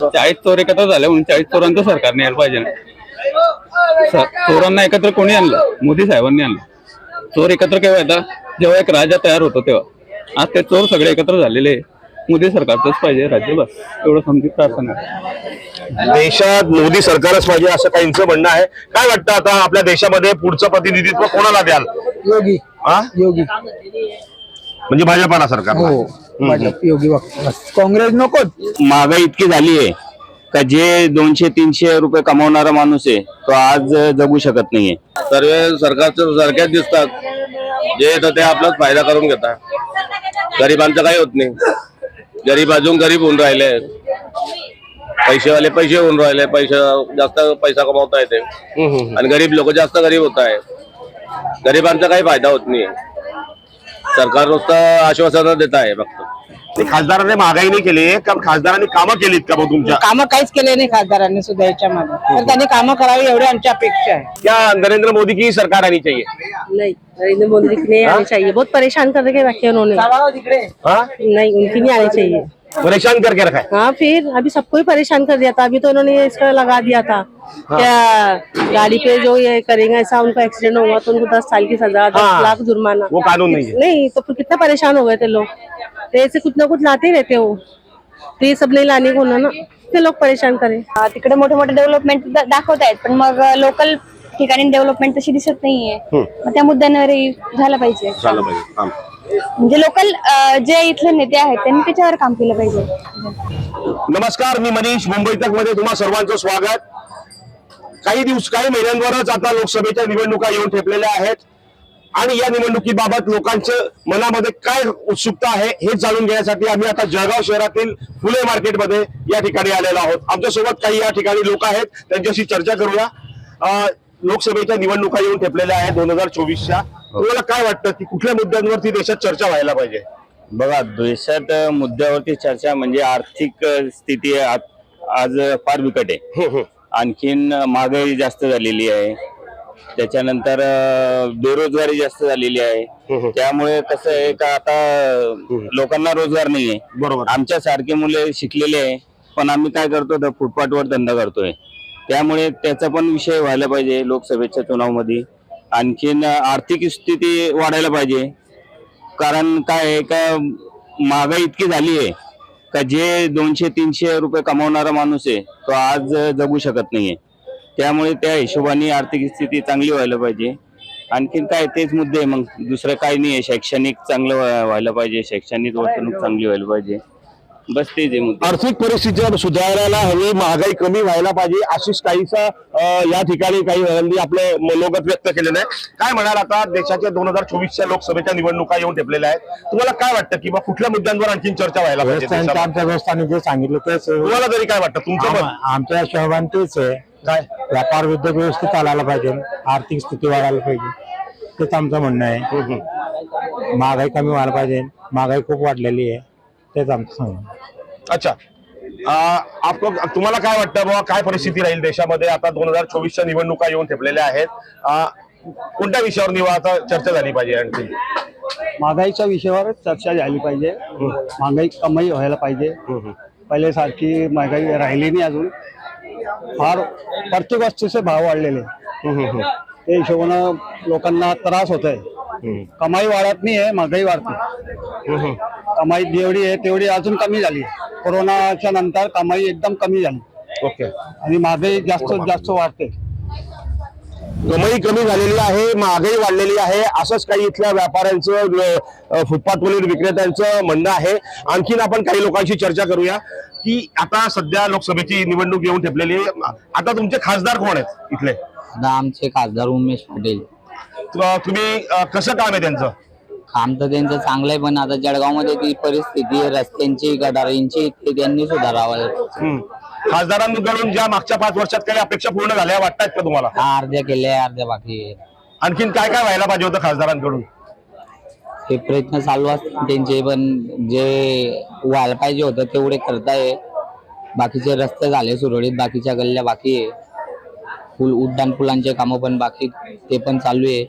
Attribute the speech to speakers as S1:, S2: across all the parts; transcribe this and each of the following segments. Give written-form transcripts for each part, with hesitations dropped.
S1: 40 चोर एकत्र झाले म्हणून 40 चोरांचं सरकारने यायला पाहिजे ना. चोरांना एकत्र कोणी आणलं? मोदी साहेबांनी आणलं. चोर एकत्र केव्हा येतात? जेव्हा एक राजा तयार होतो तेव्हा. आज ते चोर सगळे एकत्र झालेले. मोदी सरकारचंच पाहिजे राज्य, बस एवढं समजी प्रार्थना आहे.
S2: देशात मोदी सरकारच पाहिजे असं काहींचं म्हणणं आहे. काय वाटतं आता आपल्या देशामध्ये पुढचं प्रतिनिधित्व कोणाला द्याल?
S3: योगी. योगी
S2: म्हणजे भाजपाला सरकार?
S3: हो, भाजप योगी काँग्रेस नको.
S1: महागाई इतकी झाली आहे का जे 200-300 रुपये कमावणारा माणूस आहे तो आज जगू शकत नाहीये.
S4: सर्व सरकारचं सारख्याच दिसतात. जे येतं ते आपलाच फायदा करून घेतात. गरिबांचं काही होत नाही. गरीब अजून गरीब होऊन राहिले. पैसेवाले पैसे होऊन राहिले. जास्त पैसा कमावता येते आणि गरीब लोक जास्त गरीब होत आहे. गरिबांचा काही फायदा होत नाही. सरकार नुसतं आश्वासन देत आहे फक्त.
S2: ते खासदारांनी महागाई नाही केली का? खासदारांनी कामं केलीत का? मग तुमच्या
S3: कामं काहीच केले नाही खासदारांनी सुद्धा याच्यामध्ये. तर त्यांनी कामं करावी एवढी आमची अपेक्षा आहे.
S2: क्या नरेंद्र मोदी की सरकार आनी चाहिए?
S5: नहीं, नरेंद्र मोदी की नहीं आनी चाहिए. बहुत परेशान करके रखे उन्होंने. नहीं, उनकी नहीं आनी चाहिए.
S2: परेशान करके रखा है।
S5: हाँ, फिर अभी सबको ही परेशान कर दिया था. अभी तो उन्होंने इसका लगा दिया था क्या गाड़ी पे जो ये करेंगे ऐसा उनका एक्सीडेंट होगा तो उनको 10 साल की सजा, 10 लाख जुर्माना.
S2: वो कानून नहीं है।
S5: नहीं तो फिर कितना परेशान हो गए थे लोग. तो ऐसे कुछ ना कुछ लाते ही रहते हो. तो ये सब नहीं लाने को ना ते लोग परेशान करें.
S6: तिकडे मोठे मोठे डेव्हलपमेंट दाखवतायत पण मग लोकल ठिकाणी डेव्हलपमेंट तशी दिसत नाहीये. मग त्या मुद्द्यांवर झालं पाहिजे. म्हणजे लोकल जे इथले नेते आहेत त्यांनी त्याच्यावर काम केलं पाहिजे.
S2: नमस्कार, मी मनीष, मुंबई तक मध्ये तुम्हा सर्वांचं स्वागत. काही महिन्यांवरच आता लोकसभेच्या निवडणुका येऊन ठेपलेल्या आहेत आणि या निवडणुकीबाबत लोकांच्या मनामध्ये काय उत्सुकता आहे हे जाणून घेण्यासाठी आम्ही आता जळगाव शहरातील फुले मार्केटमध्ये या ठिकाणी आलेलो आहोत. आमच्यासोबत काही या ठिकाणी लोक आहेत, त्यांच्याशी चर्चा करूया. लोकसभेच्या निवडणुका येऊन ठेपलेल्या आहेत 2024च्या. तुम्हाला काय वाटतं की कुठल्या मुद्द्यांवरती देशात चर्चा व्हायला पाहिजे?
S1: बघा, देशात मुद्द्यावरती चर्चा म्हणजे आर्थिक स्थिती आज फार बिकट आहे. आणखीन महागाई जास्त झालेली आहे. त्याच्यानंतर बेरोजगारी जास्त झालेली आहे. त्यामुळे कसं आहे का आता लोकांना रोजगार नाहीये.
S2: बरोबर.
S1: आमच्या सारखे मुले शिकलेले आहे पण आम्ही काय करतो तर फुटपाथवर धंदा करतोय. त्यामुळे त्याचा पण विषय व्हायला पाहिजे लोकसभेच्या चुनावमध्ये. आणखीन आर्थिक स्थिती वाढायला पाहिजे. कारण काय आहे का महागाई इतकी झाली आहे का जे 200-300 रुपये कमावणारा माणूस आहे तो आज जगू शकत नाहीये. त्यामुळे त्या हिशोबाने आर्थिक स्थिती चांगली व्हायला पाहिजे. आणखीन काय तेच मुद्दे, मग दुसरं काही नाही. शैक्षणिक चांगलं व्हायला पाहिजे. शैक्षणिक वर्तणूक चांगली व्हायला पाहिजे. बस तेच आहे मुद्दे.
S2: आर्थिक परिस्थिती सुधारायला हवी, महागाई कमी व्हायला पाहिजे अशीच काहीसा या ठिकाणी काही जणांनी आपले मनोगत व्यक्त केलेलं आहे. काय म्हणाल, आता देशाच्या 2024च्या लोकसभेच्या निवडणुका येऊन ठेपलेल्या आहेत. तुम्हाला काय वाटतं की कुठल्या मुद्द्यांवर आणखी चर्चा व्हायला पाहिजे?
S3: आमच्या व्यवस्थाने जे सांगितलं तेच.
S2: तुम्हाला तरी काय वाटतं? तुमचं मत?
S3: आमच्या हिशोबाने तेच आहे. काय व्यापार उद्योग व्यवस्थित चालायला पाहिजे, आर्थिक स्थिती वाढायला पाहिजे, तेच आमचं म्हणणं आहे. महागाई कमी व्हायला पाहिजे. महागाई खूप वाढलेली आहे, तेच आमचं सांगणं.
S2: अच्छा, तुम्हाला काय वाटतं बाबा, काय परिस्थिती राहील देशामध्ये? आता 2024च्या निवडणुका येऊन ठेपलेल्या आहेत. कोणत्या विषयावर आता चर्चा झाली पाहिजे? आणखी
S3: महागाईच्या विषयावरच चर्चा झाली पाहिजे. महागाई कमी व्हायला पाहिजे. पहिले सारखी महागाई राहिली नाही अजून. फार प्रत्येक वस्तूचे भाव वाढलेले. त्या हिशोबानं लोकांना त्रास होत आहे. कमाई वाढत नाही आहे, महागाई वाढते. कमाई जेवढी आहे तेवढी अजून कमी झाली. कोरोनाच्या नंतर कमाई एकदम कमी झाली.
S2: ओके.
S3: आणि महागाई जास्त वाढते.
S2: कमाई कमी झालेली आहे, महागाई वाढलेली आहे, असंच काही इथल्या व्यापाऱ्यांचं, फुटपाथवरील विक्रेत्यांचं म्हणणं आहे. आणखीन आपण काही लोकांशी चर्चा करूया की आता सध्या लोकसभेची निवडणूक येऊन ठेपलेली आहे. आता तुमचे खासदार कोण आहेत इथले?
S7: आमचे खासदार उमेश पाटील.
S2: तुम्ही कसं काम आहे त्यांचं?
S7: काम तर त्यांचं चांगलं आहे, पण आता जळगावमध्ये ती परिस्थिती रस्त्यांची, गटारींची, ते त्यांनी सुधारावं.
S2: खासदारांकडून ज्या मागच्या 5 वर्षात काही अपेक्षा पूर्ण झाल्या वाटतात का तुम्हाला?
S7: अर्ध्या केल्या, अर्ध्या बाकी.
S2: आणखीन काय काय व्हायला पाहिजे होतं खासदारांकडून?
S7: ते प्रयत्न चालू असतात त्यांचे, पण जे व्हायला पाहिजे होतं तेवढे करताय. बाकीचे रस्ते झाले सुरळीत, बाकीच्या गल्ल्या बाकी आहे. उड्डाण पुलांचे कामं पण बाकी, ते पण चालू आहे.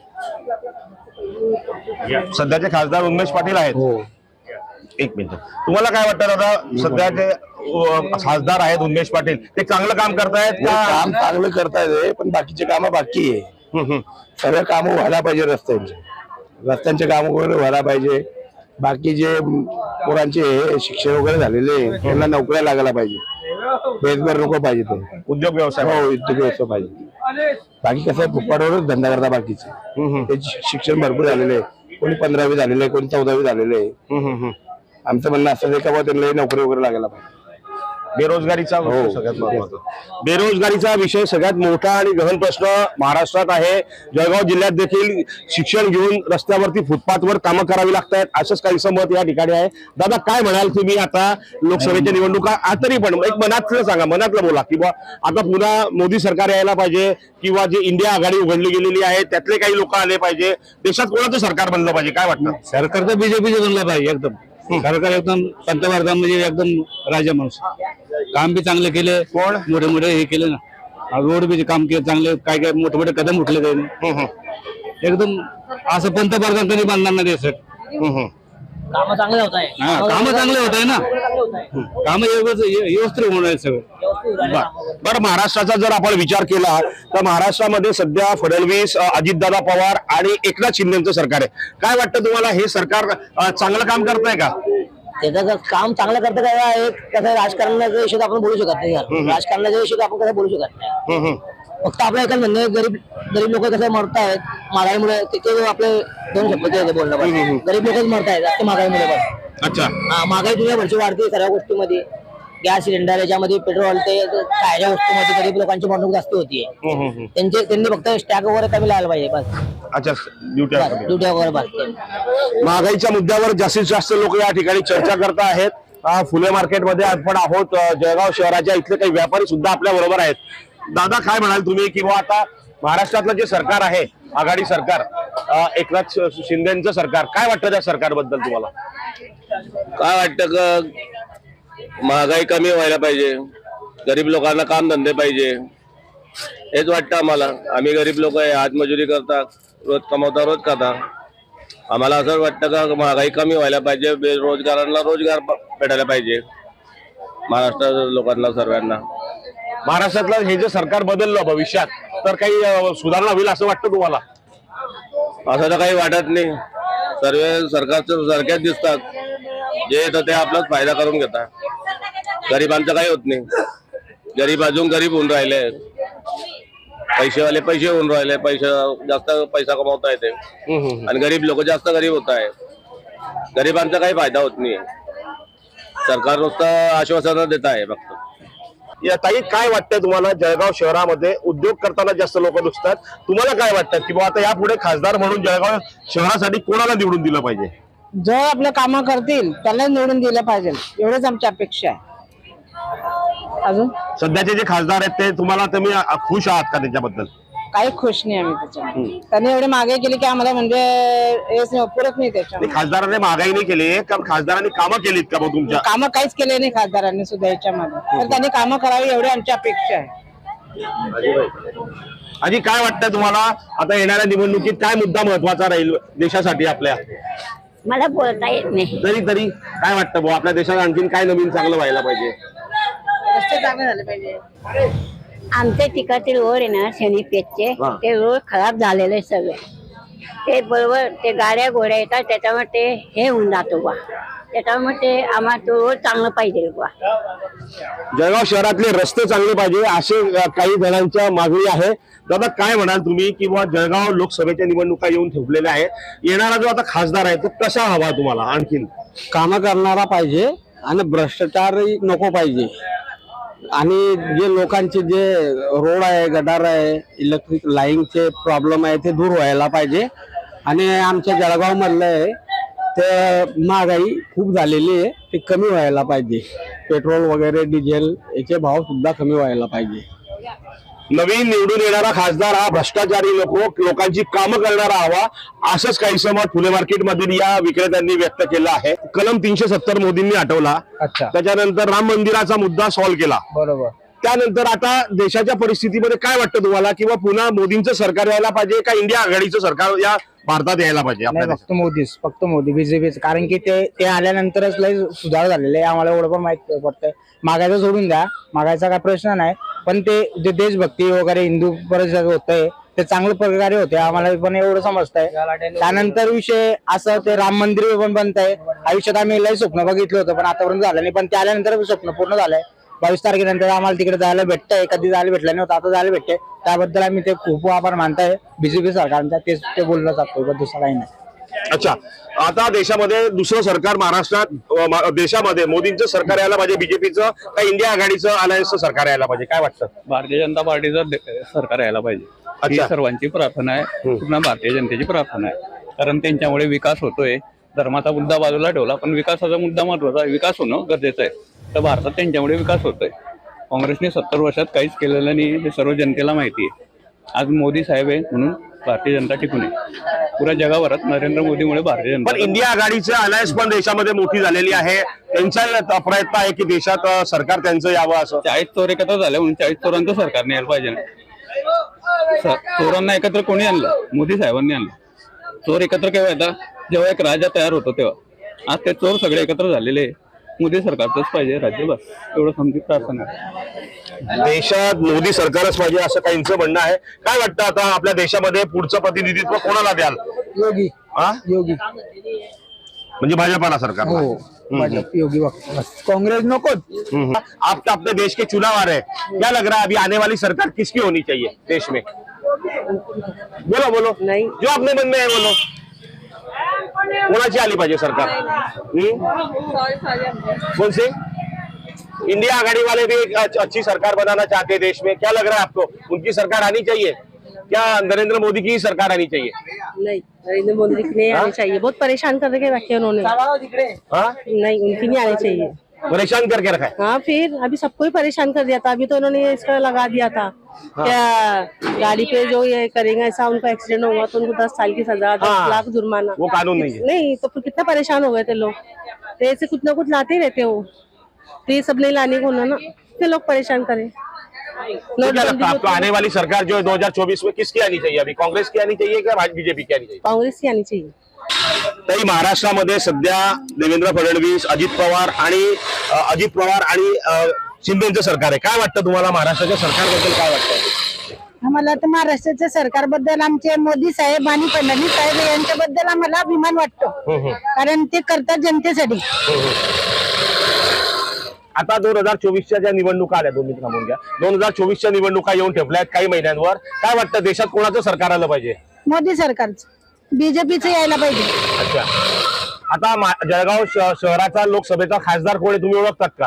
S2: सध्याचे खासदार उमेश पाटील आहेत.
S7: हो.
S2: एक मिनिट, तुम्हाला काय वाटतं दादा? सध्याचे खासदार आहेत उन्मेष पाटील, ते चांगलं काम करतायत का?
S8: काम चांगलं करतायत पण बाकीचे कामं बाकी आहे. सगळं कामं व्हायला पाहिजे. रस्त्यांचे काम वगैरे व्हायला पाहिजे. बाकी जे पोरांचे शिक्षण वगैरे झालेले त्यांना नोकऱ्या लागायला पाहिजे. बेसभर नको पाहिजे ते
S2: उद्योग व्यवसाय
S8: हो उद्योग व्यवसाय पाहिजे. बाकी कसं आहे फुटपाटवरच धंदा करता बाकीचे. त्याचे शिक्षण भरपूर झालेले आहे. कोणी 15वी झालेले, कोणी 14वी झालेले आहे. आमचं म्हणणं असं आहे का बाबा त्यांना नोकरी वगैरे लागायला पाहिजे.
S2: बेरोजगारीचा सगळ्यात महत्त्वाचा बेरोजगारीचा विषय सगळ्यात मोठा आणि गहन प्रश्न महाराष्ट्रात आहे. जळगाव जिल्ह्यात देखील शिक्षण घेऊन रस्त्यावरती फुटपाथवर कामं करावी लागतात, असंच काहीसं मत या ठिकाणी आहे. दादा काय म्हणाल तुम्ही? आता लोकसभेच्या निवडणुका तरी पण एक मनातलं सांगा, मनातलं बोला किंवा आता पुन्हा मोदी सरकार यायला पाहिजे किंवा जे इंडिया आघाडी उघडली गेलेली आहे त्यातले काही लोक आले पाहिजे. देशात कोणाचं सरकार बनलं पाहिजे काय वाटतं?
S3: सरकार तर बीजेपीचं बनलं पाहिजे. एकदम सरकार एकदम पंतप्रधान म्हणजे एकदम राजा माणूस. काम बी चांगले केले,
S2: कोण
S3: मोठे मोठे हे केले ना, रोड बी काम केले चांगले, काय काय मोठे मोठे कदम उठले त्यांनी. एकदम असं पंतप्रधान कधी बांधणार नाही देशात.
S7: काम चांगले होत आहे.
S3: कामं चांगले होत आहे ना, कामं व्यवस्थित होणार आहे सगळं.
S2: बरं महाराष्ट्राचा जर आपण विचार केला तर महाराष्ट्रामध्ये सध्या फडणवीस, अजितदादा पवार आणि एकनाथ शिंदेचं सरकार आहे. काय वाटतं तुम्हाला, हे सरकार चांगलं काम करतंय का?
S7: त्याचं काम चांगलं करतं काय? कसं राजकारणाच्या विषयात आपण बोलू शकत नाही. राजकारणाच्या विषयात आपण कसं बोलू शकत नाही. फक्त आपलं एकच म्हणणं आहे, गरीब लोक कसं मरतायत महागाईमुळे, ते आपले दोन शब्द बोलणं पाहिजे. गरीब लोकच मरतायत महागाईमुळे. पण
S2: अच्छा,
S7: महागाई दुनियाभरची वाढते सर्व गोष्टीमध्ये. गॅस सिलेंडर याच्यामध्ये, पेट्रोल, ते खायच्या वस्तूमध्ये गरीब लोकांची मरणूक जास्त होतीये. त्यांनी फक्त स्टॅक वगैरे कमी लावायला पाहिजे बस.
S2: अच्छा,
S7: ड्युट्या वगैरे बस.
S2: महागाईच्या मुद्द्यावर जास्तीत जास्त लोक या ठिकाणी चर्चा करत आहेत. फुले मार्केटमध्ये आपण आहोत. जळगाव शहराच्या इथले काही व्यापारी सुद्धा आपल्या बरोबर आहेत. दादा काय म्हणाल तुम्ही किंवा आता महाराष्ट्रातलं जे सरकार आहे आघाडी सरकार, एकनाथ शिंदेचं सरकार, काय वाटतं त्या सरकारबद्दल तुम्हाला?
S4: काय वाटतं का महागाई कमी व्हायला पाहिजे, गरीब लोकांना काम धंदे पाहिजे, हेच वाटतं आम्हाला. आम्ही गरीब लोक आहे, हातमजुरी करता, रोज कमवता, रोज खाता. आम्हाला असं वाटतं का महागाई कमी व्हायला पाहिजे, बेरोजगारांना रोजगार भेटायला पाहिजे, महाराष्ट्र लोकांना सर्वांना.
S2: महाराष्ट्रातलं हे जे सरकार बदललं भविष्यात तर काही सुधारणा होईल असं वाटतं तुम्हाला?
S4: असं तर काही वाटत नाही. सर्व सरकारचं सारख्याच दिसतात. जे येतं ते आपलाच फायदा करून घेतात. गरिबांचं काही होत नाही. गरीब अजून गरीब होऊन राहिले, पैसेवाले पैसे होऊन राहिले, जास्त पैसा कमवता येते आणि गरीब लोक जास्त गरीब होत आहे. गरिबांचा काही फायदा होत नाही. सरकार नुसतं आश्वासन देत आहे फक्त.
S2: या ताई काय वाटतं तुम्हाला, जळगाव शहरामध्ये उद्योग करताना जास्त लोक दिसतात, तुम्हाला काय वाटतं की बाबा आता यापुढे खासदार म्हणून जळगाव शहरासाठी कोणाला निवडून दिलं पाहिजे?
S5: जो आपलं कामं करतील त्याला निवडून दिलं पाहिजे, एवढंच आमची अपेक्षा आहे. अजून
S2: सध्याचे जे खासदार आहेत ते तुम्हाला, तुम्ही खुश आहात का त्याच्याबद्दल?
S5: काही खुश नाही आम्ही त्याच्यामध्ये. त्यांनी एवढे मागे केली की आम्हाला म्हणजे हेच नाही, पुरत नाही त्याच्या.
S2: खासदारांनी महागाई नाही केली का, खासदारांनी कामं केलीत का? तुमच्या
S5: कामं काहीच केले नाही खासदारांनी सुद्धा याच्यामध्ये, तर त्यांनी कामं करावी एवढी आमची अपेक्षा आहे.
S2: आजी काय वाटतं तुम्हाला, आता येणाऱ्या निवडणुकीत काय मुद्दा महत्वाचा राहील देशासाठी आपल्या?
S9: मला बोलता येत नाही.
S2: तरी काय वाटतं भाऊ, आपल्या देशात आणखीन काय नवीन चांगलं व्हायला पाहिजे?
S5: रस्ते चांगले झाले पाहिजे.
S9: आमच्या ठिकाणचे रोड आहे ना शनीपेठचे, ते रोड खराब झालेले सगळे. ते बरोबर ते गाड्या घोड्या येतात त्याच्यामुळे ते हे होऊन जातो बा. त्याच्यामुळे ते आम्हाला तो रोड चांगलं पाहिजे बा.
S2: जळगाव शहरातले रस्ते चांगले पाहिजे असे काही जणांच्या मागणी आहे. दादा काय म्हणाल तुम्ही की बाबा जळगाव लोकसभेच्या निवडणुका येऊन ठेवलेल्या आहे, येणारा जो आता खासदार आहे तो कसा हवा तुम्हाला? आणखीन
S3: कामं करणारा पाहिजे आणि भ्रष्टाचारही नको पाहिजे. आणि जे लोकांचे जे रोड आहे, गटार आहे, इलेक्ट्रिक लाईनचे प्रॉब्लेम आहे ते दूर व्हायला पाहिजे. आणि आमच्या जळगाव मधलं आहे ते महागाई खूप झालेली आहे, ते कमी व्हायला पाहिजे. पेट्रोल वगैरे डिझेल याचे भाव सुद्धा कमी व्हायला पाहिजे.
S2: नवीन निवडून येणारा खासदार हा भ्रष्टाचारी नको, लोकांची कामं करणारा हवा, असंच काहीसं मत फुले मार्केट मधील या विक्रेत्यांनी व्यक्त केलं आहे. कलम 370 मोदींनी हटवला,
S3: अच्छा,
S2: त्याच्यानंतर राम मंदिराचा मुद्दा सॉल्व्ह केला,
S3: बरोबर.
S2: त्यानंतर आता देशाच्या परिस्थितीमध्ये काय वाटतं तुम्हाला, किंवा पुन्हा मोदींचं सरकार यायला पाहिजे का इंडिया आघाडीचं सरकार या भारतात यायला पाहिजे आपल्या
S10: नाही, फक्त मोदी बीजेपीच, कारण की ते आल्यानंतरच लय सुधार झालेले आहे. आम्हाला एवढं पण माहित पडतंय. मागायचं सोडून द्या, मागायचा काय प्रश्न नाही, पण ते जे देशभक्ती वगैरे हिंदू परिषद होतंय ते चांगल्या प्रकारे होते, आम्हाला पण एवढं समजतंय. त्यानंतर विषय असं ते राम मंदिर पण बनतंय. आयुष्यात आम्ही लय स्वप्न बघितलं होतं पण आतापर्यंत झालं नाही, पण ते आल्यानंतर स्वप्न पूर्ण झालंय. 22 तारखेनंतर आम्हाला तिकडे जायला भेटतंय, कधी जायला भेटलं नव्हतं, आता जायला भेटतंय. त्याबद्दल आम्ही ते खूप आभार मानताय बीजेपी सरकारचा, ते बोललं जातो, दुसरं काही नाही.
S2: अच्छा, आता देशामध्ये दुसरं सरकार महाराष्ट्रात देशामध्ये मोदींचं सरकार यायला पाहिजे बीजेपीचं का इंडिया आघाडीचं अलायन्सचं सरकार यायला पाहिजे, काय वाटतं?
S11: भारतीय जनता पार्टीचं सरकार यायला पाहिजे, ही सर्वांची प्रार्थना आहे, पूर्ण भारतीय जनतेची प्रार्थना आहे. कारण त्यांच्यामुळे विकास होतोय. धर्माचा मुद्दा बाजूला ठेवला, पण विकासाचा मुद्दा महत्वाचा आहे. विकास होणं गरजेचं आहे. तर भारतात त्यांच्यामुळे विकास होतोय. काँग्रेसने 70 वर्षात काहीच केलेलं नाही, हे सर्व जनतेला माहिती आहे. आज मोदी साहेब आहे म्हणून भारतीय जनता टिकून आहे. पुऱ्या जगाभरात नरेंद्र मोदीमुळे भारतीय जनता.
S2: पण इंडिया आघाडीचं अलायन्स पण देशामध्ये मोठी झालेली आहे. त्यांचा प्रयत्न आहे की देशात सरकार त्यांचं यावं असं.
S11: 40 चोर एकत्र झाले म्हणून 40 चोरांचं सरकारने यायला पाहिजे ना. चोरांना एकत्र कोणी आणलं? मोदी साहेबांनी आणलं. चोर एकत्र केव्हा येतात? जेव्हा एक राजा तयार होतो तेव्हा. आज ते चोर सगळे एकत्र झालेले. मोदी सरकारचंच पाहिजे राज्य, बस एवढं समजी प्रार्थना आहे.
S2: देशात मोदी सरकारच पाहिजे असं काहींचं म्हणणं आहे. काय वाटतं आता आपल्या देशामध्ये पुढचं प्रतिनिधित्व कोणाला द्याल?
S10: योगी योगी
S2: म्हणजे भाजपाला सरकार?
S10: हो, भाजप योगी कांग्रेस नको.
S2: आप अपने देश के चुनाव आ रहे हैं, क्या लग रहा है अभी आने वाली सरकार किसकी होनी चाहिए देश में? बोलो बोलो,
S5: नहीं
S2: जो अपने मन में है बोलो. कोणाची आली पाहिजे सरकार? कौन से? इंडिया आघाड़ी वाले भी एक अच्छी सरकार बनाना चाहते हैं देश में. क्या लग रहा है आपको, उनकी सरकार आनी चाहिए क्या नरेंद्र मोदी की ही सरकार आनी चाहिए?
S5: नहीं, नरेंद्र मोदी की नहीं आनी चाहिए. बहुत परेशान कर के रखे उन्होंने. नहीं, उनकी नहीं आनी चाहिए.
S2: परेशान करके रखा है.
S5: हाँ, फिर अभी सबको ही परेशान कर दिया था. अभी तो इन्होंने इसका लगा दिया था क्या गाड़ी पे जो ये करेंगे, ऐसा उनका एक्सीडेंट होगा तो उनको 10 साल की सजा, 10 लाख जुर्माना.
S2: वो कानून नहीं है.
S5: नहीं तो फिर कितना परेशान हो गए थे लोग. तो ऐसे कुछ ना कुछ लाते ही रहते हो, तो ये सब नहीं लाने को ना, फिर लोग परेशान करें.
S2: क्या लगता है आपको आने वाली सरकार जो है 2024 में किसकी आनी चाहिए? अभी कांग्रेस की आनी चाहिए क्या बीजेपी की आनी चाहिए?
S5: कांग्रेस की आनी चाहिए.
S2: तरी महाराष्ट्रामध्ये सध्या देवेंद्र फडणवीस, अजित पवार आणि शिंदेचं सरकार आहे. काय वाटतं तुम्हाला महाराष्ट्राच्या सरकारबद्दल, काय वाटतं?
S12: आम्हाला तर महाराष्ट्राच्या सरकारबद्दल आमचे मोदी साहेब आणि फडणवीस साहेब यांच्याबद्दल आम्हाला अभिमान वाटतो, कारण ते करतात जनतेसाठी.
S2: आता 2024च्या ज्या निवडणुका आल्या, 2 मिनिट थांबून घ्या. 2024च्या निवडणुका येऊन ठेपल्यात काही महिन्यांवर. काय वाटतं देशात कोणाचं सरकार आलं पाहिजे?
S12: मोदी सरकारचं, बीजेपीचं यायला पाहिजे.
S2: अच्छा, आता जळगाव शहराचा लोकसभेचा खासदार कोण आहे तुम्ही ओळखतात का?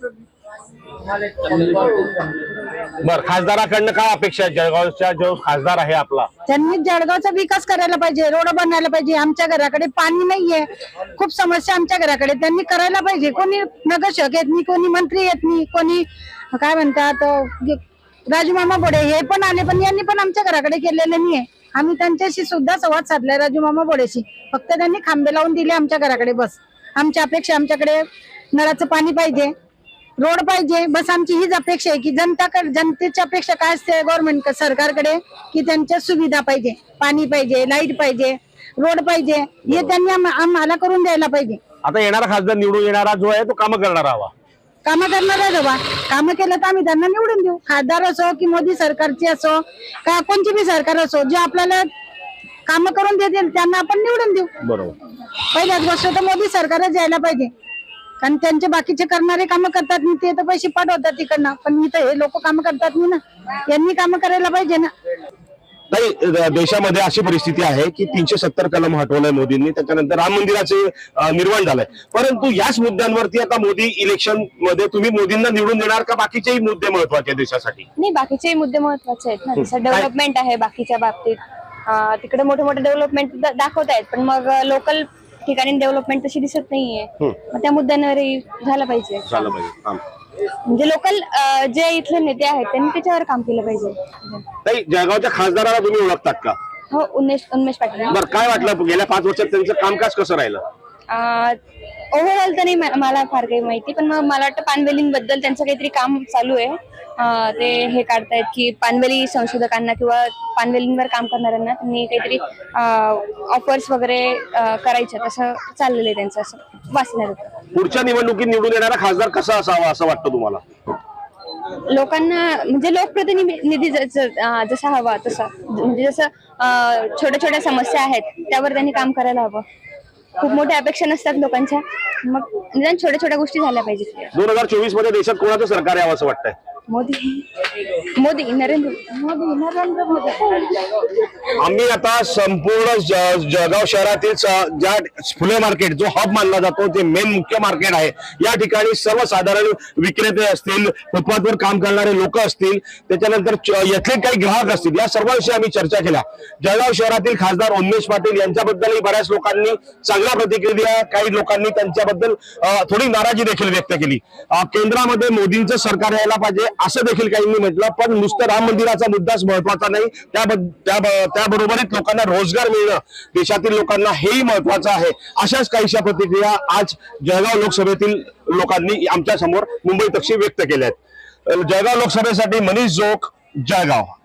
S2: बर, खासदाराकडनं काय अपेक्षा आहे? जळगावचा जो खासदार आहे आपला,
S12: त्यांनी जळगावचा विकास करायला पाहिजे, रोड बनायला पाहिजे. आमच्या घराकडे पाणी नाहीये, खूप समस्या आमच्या घराकडे. त्यांनी करायला पाहिजे. कोणी नगरसेवक येत नाही, कोणी मंत्री येत नाही, कोणी काय म्हणतात राजूमामा बोडे हे पण आले, पण यांनी पण आमच्या घराकडे केलेले नाहीये. आम्ही त्यांच्याशी सुद्धा संवाद साधलाय, राजूमामा बोडेशी. फक्त त्यांनी खांबे लावून दिले आमच्या घराकडे, बस. आमच्या अपेक्षा, आमच्याकडे नळाचं पाणी पाहिजे, रोड पाहिजे, बस. आमची हीच अपेक्षा आहे की जनतेची अपेक्षा काय असते गव्हर्नमेंट सरकारकडे, की त्यांच्या सुविधा पाहिजे, पाणी पाहिजे, लाईट पाहिजे, रोड पाहिजे. हे त्यांनी आम्हाला करून द्यायला पाहिजे.
S2: आता येणारा खासदार निवडून येणारा जो आहे तो कामं करणारा हवा.
S12: कामं करणारा हवा. कामं केलं तर आम्ही त्यांना निवडून देऊ. खासदार असो की मोदी सरकारची असो का कोणची बी सरकार असो, जे आपल्याला कामं करून देतील त्यांना आपण निवडून देऊ.
S2: बरोबर.
S12: पहिल्याच गोष्ट तर मोदी सरकारच यायला पाहिजे, कारण त्यांचे बाकीचे करणारे कामं करतात नाही, ते तर पैसे पाठवतात तिकडनं. पण इथं हे लोक कामं करतात नाही ना, यांनी कामं करायला पाहिजे ना.
S2: नाही, देशामध्ये अशी परिस्थिती आहे की 370 कलम हटवलंय मोदींनी, त्याच्यानंतर राम मंदिराचे निर्माण झालंय. परंतु याच मुद्द्यांवरती आता मोदी इलेक्शन मध्ये तुम्ही मोदींना निवडून देणार का बाकीचेही मुद्दे महत्वाचे आहेत देशासाठी?
S6: नाही, बाकीचेही मुद्दे महत्वाचे आहेत ना. जसं डेव्हलपमेंट आहे बाकीच्या बाबतीत, तिकडे मोठे मोठे डेव्हलपमेंट दाखवतायत, पण मग लोकल ठिकाणी डेव्हलपमेंट तशी दिसत नाहीये. मग त्या मुद्द्यांवरही झालं पाहिजे. म्हणजे लोकल जे इथले नेते आहेत त्यांनी त्याच्यावर काम केलं पाहिजे.
S2: नाही, जळगावच्या खासदाराला तुम्ही ओळखतात का?
S6: हो, उन्मेष पाटील.
S2: बरं, काय वाटलं गेल्या 5 वर्षात त्यांचं कामकाज कसं राहिलं?
S6: ओव्हरऑल तर नाही मला फार काही माहिती, पण मग मला वाटतं पानवेलींबद्दल त्यांचं काहीतरी काम चालू आहे. ते हे काढतायत की पानवेली संशोधकांना किंवा पानवेलींवर काम करणाऱ्यांना त्यांनी काहीतरी ऑफर्स वगैरे करायचे, तसं चाललेलं आहे त्यांचं, असं वाचण्यात होतं.
S2: पुढच्या निवडणुकीत निवडून येणारा खासदार कसा असावा असं वाटतं तुम्हाला?
S6: लोकांना म्हणजे लोकप्रतिनिधी जसा हवा तसा, म्हणजे जसं छोट्या छोट्या समस्या आहेत त्यावर त्यांनी काम करायला हवं. खूप मोठ्या अपेक्षा नसतात लोकांच्या, मग निदान छोट्या छोट्या गोष्टी झाल्या पाहिजेत.
S2: 2024 मध्ये देशात कोणाचं सरकार यावं असं वाटतंय?
S6: नरेंद्र मोदी.
S2: आम्ही आता संपूर्ण जळगाव शहरातील ज्या फुले मार्केट जो हब मानला जातो, जे मेन मुख्य मार्केट आहे, या ठिकाणी सर्वसाधारण विक्रेते असतील, फुटपाथवर काम करणारे लोक असतील, त्याच्यानंतर येथील काही ग्राहक असतील, या सर्वांशी आम्ही चर्चा केल्या. जळगाव शहरातील खासदार उन्मेष पाटील यांच्याबद्दलही बऱ्याच लोकांनी चांगल्या प्रतिक्रिया, काही लोकांनी त्यांच्याबद्दल थोडी नाराजी देखील व्यक्त केली. केंद्रामध्ये मोदींचं सरकार यायला पाहिजे असं देखील काहींनी म्हटलं, पण नुसतं राम मंदिराचा मुद्दाच महत्वाचा नाही, त्याबरोबरच लोकांना रोजगार मिळणं, देशातील लोकांना हेही महत्वाचं आहे. अशाच काहीशा प्रतिक्रिया आज जळगाव लोकसभेतील लोकांनी आमच्या समोर मुंबई तक्षी व्यक्त केल्या आहेत. जळगाव लोकसभेसाठी मनीष जोग, जळगाव.